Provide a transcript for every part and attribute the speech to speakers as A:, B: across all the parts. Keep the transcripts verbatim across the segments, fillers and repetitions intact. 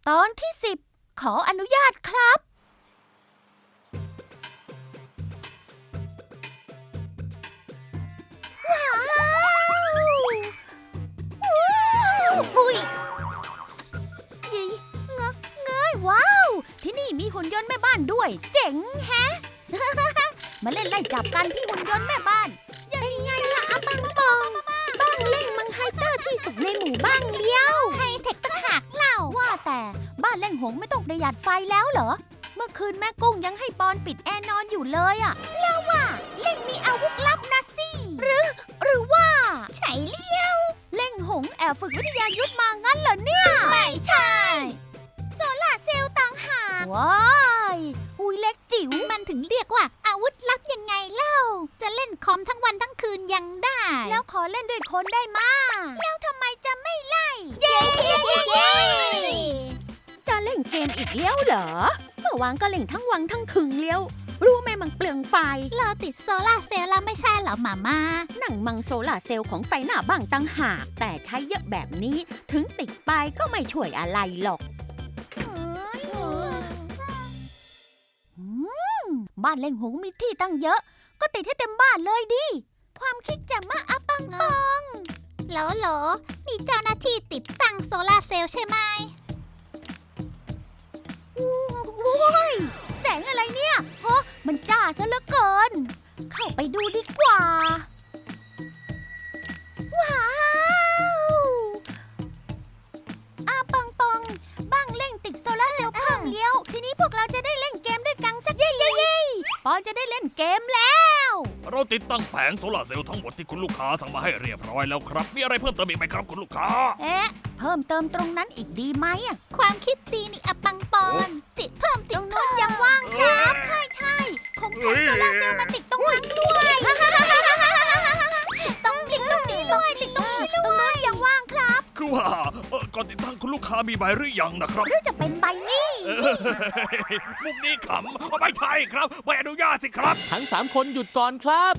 A: ตอนที่สิบขออนุญาตครับว้าวหุยยี่เงเงยว้าวที่นี่มีหุ่นยนต์แม่บ้านด้วยเจ๋งแฮะ มาเล่นไล่จับกันพี่หุ่นยนต์แม่บ้านเป็นไงล่ะอาปังปองบ้างเล่นมังไฮเตอร์ที่สุดในหมู่บ้านเลี้ยวไฮเทคตั้งหากเล่าว่าแต่บ้านเล่งหงไม่ต้องประหยัดไฟแล้วเหรอเมื่อคืนแม่กุ้งยังให้ปอนปิดแอร์นอนอยู่เลยอะแล้วว่าเล่งมีอาวุธลับนะสิหรือหรือว่าใช่เลี้ยวเล่งหงแอบฝึกวิทยายุทธมางั้นเหรอเนี่ยไม่ใช่โซล่าเซลล์ต่างหากว้ายอุ้ยเล็กจิ๋วมันถึงเรียกว่าอาวุธลับยังไงเล่าจะเล่นคอมทั้งวันทั้งคืนยังได้แล้วขอเล่นด้วยคนได้มาแล้วทำไมจะไม่ไล่เย้เย้เย้จะเล่นเกมอีกเลี้ยวเหรอเมื่อวานก็เล่นทั้งวันทั้งคืนเลี้ยวรู้ไหมมันเปลืองไฟเราติดโซล่าเซลล์แล้วไม่ใช่เหรอหม่าม่าหนังมังโซล่าเซลล์ของไฟหน้าบ้างตั้งหากแต่ใช้เยอะแบบนี้ถึงติดไปก็ไม่ช่วยอะไรหรอกบ้านเล่งหงมีที่ตั้งเยอะก็ติดให้เต็มบ้านเลยดิความคิดแจ่มมากอะปังปองโหลโหลมีเจ้าหน้าที่ติดตั้งโซล่าเซลล์ใช่ไหมโอ้ยแสงอะไรเนี่ยโอ้มันจ้าซะเหลือเกินเข้าไปดูดีกว่าว้าวอาปังปองบ้างเล่งติดโซล่าเซลล์เพิ่มเลี้ยวทีนี้พวกเราจะได้เล่นเกมด้วยกันสักเย่เย่เย่ปอนจะได้เล่นเกมแล้ว
B: เราติดตั้งแผงโซลาร์เซลล์ทั้งหมดที่คุณลูกค้าสั่งมาให้เรียบร้อยแล้วครับมีอะไรเพิ่มเติมอีกไหมครับคุณลูกค้า
A: เอ๊ะเพิ่มเติมตรงนั้นอีกดีไหมอ่ะความคิดดีนี่อะปังปอนติดเพิ่มติดตรงนู้นยังว่างครับใช่ใช่คงแผงโซลาร์เซลล์มาติดตรงนั้นด้วยต้องติดตรงนี้ด้วยติดตรงนี้ด้วยตรงนู้นยังว่างครับ
B: คือว่าก่อนติดตั้งคุณลูกค้ามีใบหรือยังนะครับ
A: หรือจะเป็นใบนี้
B: มุกนี้ขำไม่ใช่ครับใบอนุญาตสิครับ
C: ทั้งสามคนหยุดก่อนครับ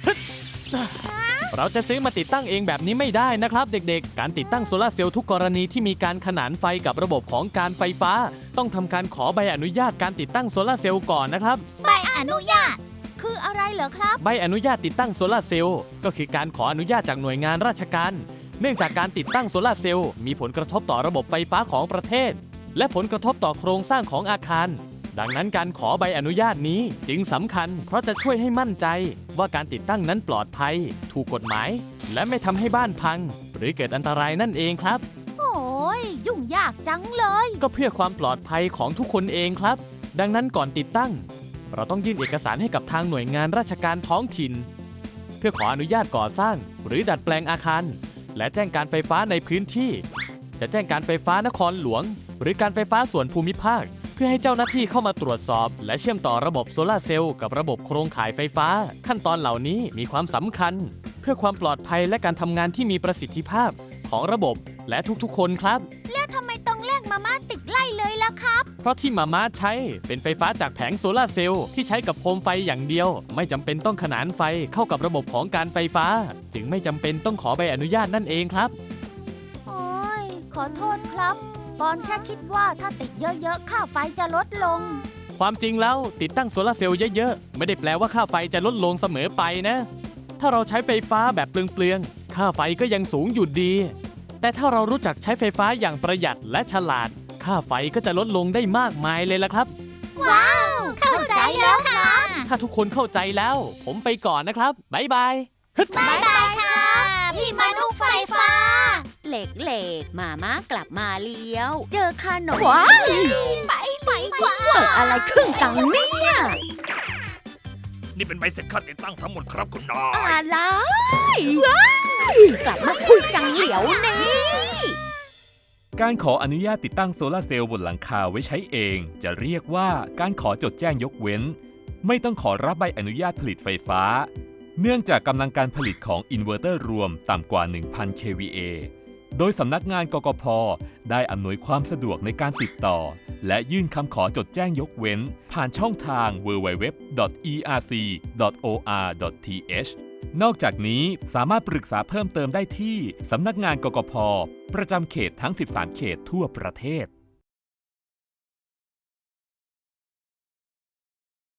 C: เราจะซื้อมาติดตั้งเองแบบนี้ไม่ได้นะครับเด็กๆการติดตั้งโซลาร์เซลล์ทุกกรณีที่มีการขนานไฟกับระบบของการไฟฟ้าต้องทำการขอใบอนุญาตการติดตั้งโซลาร์เซลล์ก่อนนะครับ
A: ใบอนุญาตคืออะไรเหรอครับ
C: ใบอนุญาตติดตั้งโซลาร์เซลล์ก็คือการขออนุญาตจากหน่วยงานราชการเนื่องจากการติดตั้งโซลาร์เซลล์มีผลกระทบต่อระบบไฟฟ้าของประเทศและผลกระทบต่อโครงสร้างของอาคารดังนั้นการขอใบอนุญาตนี้จึงสำคัญเพราะจะช่วยให้มั่นใจว่าการติดตั้งนั้นปลอดภัยถูกกฎหมายและไม่ทำให้บ้านพังหรือเกิดอันตรายนั่นเองครับ
A: โอ้ยยุ่งยากจังเลย
C: ก็เพื่อความปลอดภัยของทุกคนเองครับดังนั้นก่อนติดตั้งเราต้องยื่นเอกสารให้กับทางหน่วยงานราชการท้องถิ่นเพื่อขออนุญาตก่อสร้างหรือดัดแปลงอาคารและแจ้งการไฟฟ้าในพื้นที่จะแจ้งการไฟฟ้านครหลวงหรือการไฟฟ้าส่วนภูมิภาคเพื่อให้เจ้าหน้าที่เข้ามาตรวจสอบและเชื่อมต่อระบบโซลาร์เซลล์กับระบบโครงข่ายไฟฟ้าขั้นตอนเหล่านี้มีความสำคัญเพื่อความปลอดภัยและการทำงานที่มีประสิทธิภาพของระบบและทุกๆคนครับ
A: แล้วทำไมต้องแลกมาม่าติดไล่เลยล่ะครับ
C: เพราะที่มาม่าใช้เป็นไฟฟ้าจากแผงโซลาร์เซลล์ที่ใช้กับโคมไฟอย่างเดียวไม่จำเป็นต้องขนานไฟเข้ากับระบบของการไฟฟ้าจึงไม่จำเป็นต้องขอใบอนุญาตนั่นเองครับ
A: โอ้ยขอโทษครับปอนแค่คิดว่าถ้าติดเยอะๆค่าไฟจะลดลง
C: ความจริงแล้วติดตั้งโซลาร์เซลล์เยอะๆไม่ได้แปลว่าค่าไฟจะลดลงเสมอไปนะถ้าเราใช้ไฟฟ้าแบบเปลืองๆค่าไฟก็ยังสูงอยู่ดีแต่ถ้าเรารู้จักใช้ไฟฟ้าอย่างประหยัดและฉลาดค่าไฟก็จะลดลงได้มากมายเลยละครับ
A: ว้าวเข้าใจแล้วค่ะ
C: ถ้าทุกคนเข้าใจแล้วผมไปก่อนนะครับบ๊ายบาย
A: บ๊ายบายค่ะพี่มนุษย์ไฟฟ้า
D: เหล็กเหล็กมามากลับมาเลี้ยวเจอขนม
A: ว้ายไปไปกว่า
D: เกิดอะไรขึ้นกันเนี่ย
B: นี่เป็นใบเสร็จค่าติดตั้งทั้งหมดครับคุณนาย
D: อะไรว้ายกลับมาคุยกันเหลียวนี้
E: การขออนุญาตติดตั้งโซลาร์เซลล์บนหลังคาไว้ใช้เองจะเรียกว่าการขอจดแจ้งยกเว้นไม่ต้องขอรับใบอนุญาตผลิตไฟฟ้าเนื่องจากกำลังการผลิตของอินเวอร์เตอร์รวมต่ำกว่า หนึ่งพัน เค วี เอ โดยสำนักงานกกพ.ได้อำนวยความสะดวกในการติดต่อและยื่นคำขอจดแจ้งยกเว้นผ่านช่องทาง ดับเบิลยู ดับเบิลยู ดับเบิลยู ดอท อี อาร์ ซี ดอท โอ อาร์ ดอท ที เอช นอกจากนี้สามารถปรึกษาเพิ่มเติมได้ที่สำนักงานกกพ.ประจำเขตทั้ง สิบสาม เขตทั่วประเทศ